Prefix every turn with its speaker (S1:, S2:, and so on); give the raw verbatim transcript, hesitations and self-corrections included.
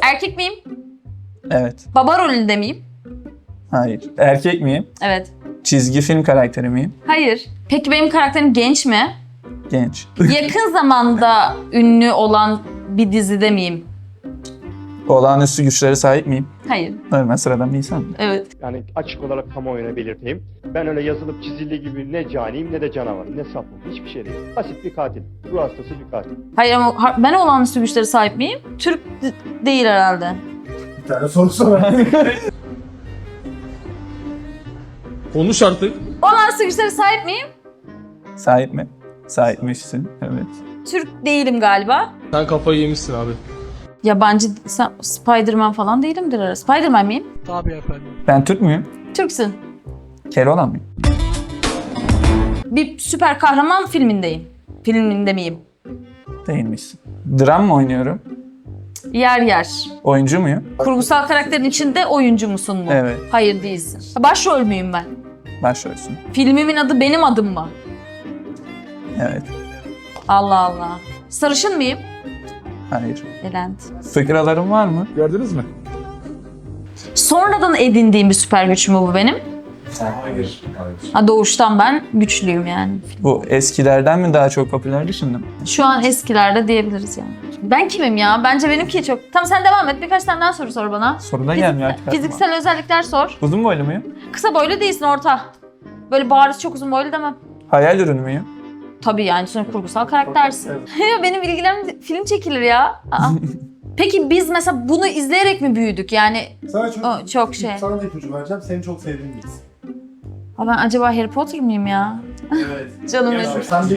S1: Erkek miyim?
S2: Evet.
S1: Baba rolünde miyim?
S2: Hayır. Erkek miyim?
S1: Evet.
S2: Çizgi film karakteri miyim?
S1: Hayır. Peki benim karakterim genç mi?
S2: Genç.
S1: Yakın zamanda ünlü olan bir dizide miyim?
S2: Olağanüstü güçlere sahip miyim?
S1: Hayır.
S2: Normal sıradan bir insan.
S1: Evet.
S3: Yani açık olarak kamuoyuna belirteyim. Ben öyle yazılıp çizildiği gibi ne caniyim ne de canavarım, ne safım. Hiçbir şey değil. Basit bir katil. Ruh hastası bir katil.
S1: Hayır ama ha- ben olağanüstü güçlere sahip miyim? Türk d- değil herhalde.
S4: Bir tane soru sor.
S5: Konuş artık.
S1: Olağanüstü güçlere sahip miyim?
S2: Sahip mi? Sahipmişsin. Evet.
S1: Türk değilim galiba.
S5: Sen kafayı yemişsin abi.
S1: Yabancı sen- Spider-Man falan değilimdir herhalde. Spider-Man miyim?
S2: Ben Türk müyüm?
S1: Türksün.
S2: Keloğlan mıyım?
S1: Bir süper kahraman filmindeyim. Filminde miyim?
S2: Değilmişsin. Dram mı oynuyorum?
S1: Yer yer.
S2: Oyuncu muyum?
S1: Kurgusal karakterin içinde oyuncu musun mu?
S2: Evet.
S1: Hayır değilsin. Başrol müyüm ben?
S2: Başrolsün.
S1: Filmimin adı benim adım mı?
S2: Evet.
S1: Allah Allah. Sarışın mıyım?
S2: Hayır.
S1: Elend.
S2: Fıkralarım var mı?
S5: Gördünüz mü?
S1: Sonradan edindiğim bir süper güç mü bu benim?
S4: Hayır.
S1: Ha, doğuştan ben güçlüyüm yani.
S2: Bu eskilerden mi daha çok popülerdi şimdi mi?
S1: Şu an eskilerde diyebiliriz yani. Ben kimim ya? Bence benimki çok... Tamam sen devam et. Birkaç tane daha soru sor bana.
S2: Soruna
S1: Fizik-
S2: gelmiyor artık. aklıma.
S1: Fiziksel özellikler sor.
S2: Uzun boylu muyum?
S1: Kısa boylu değilsin, orta. Böyle bariz çok uzun boylu demem.
S2: Hayal ürünü müyüm?
S1: Tabii yani sonra kurgusal karaktersin. Ya benim ilgilerim film çekilir ya. Aa. Peki biz mesela bunu izleyerek mi büyüdük? Yani
S4: Sana çok,
S1: o çok şey.
S4: Sana da ipucu vereceğim. Seni çok sevdiğim birisi.
S1: Ha, ben acaba Harry Potter mıyım ya?
S4: Evet.
S1: Canım
S4: Ya,
S1: benim.
S4: sen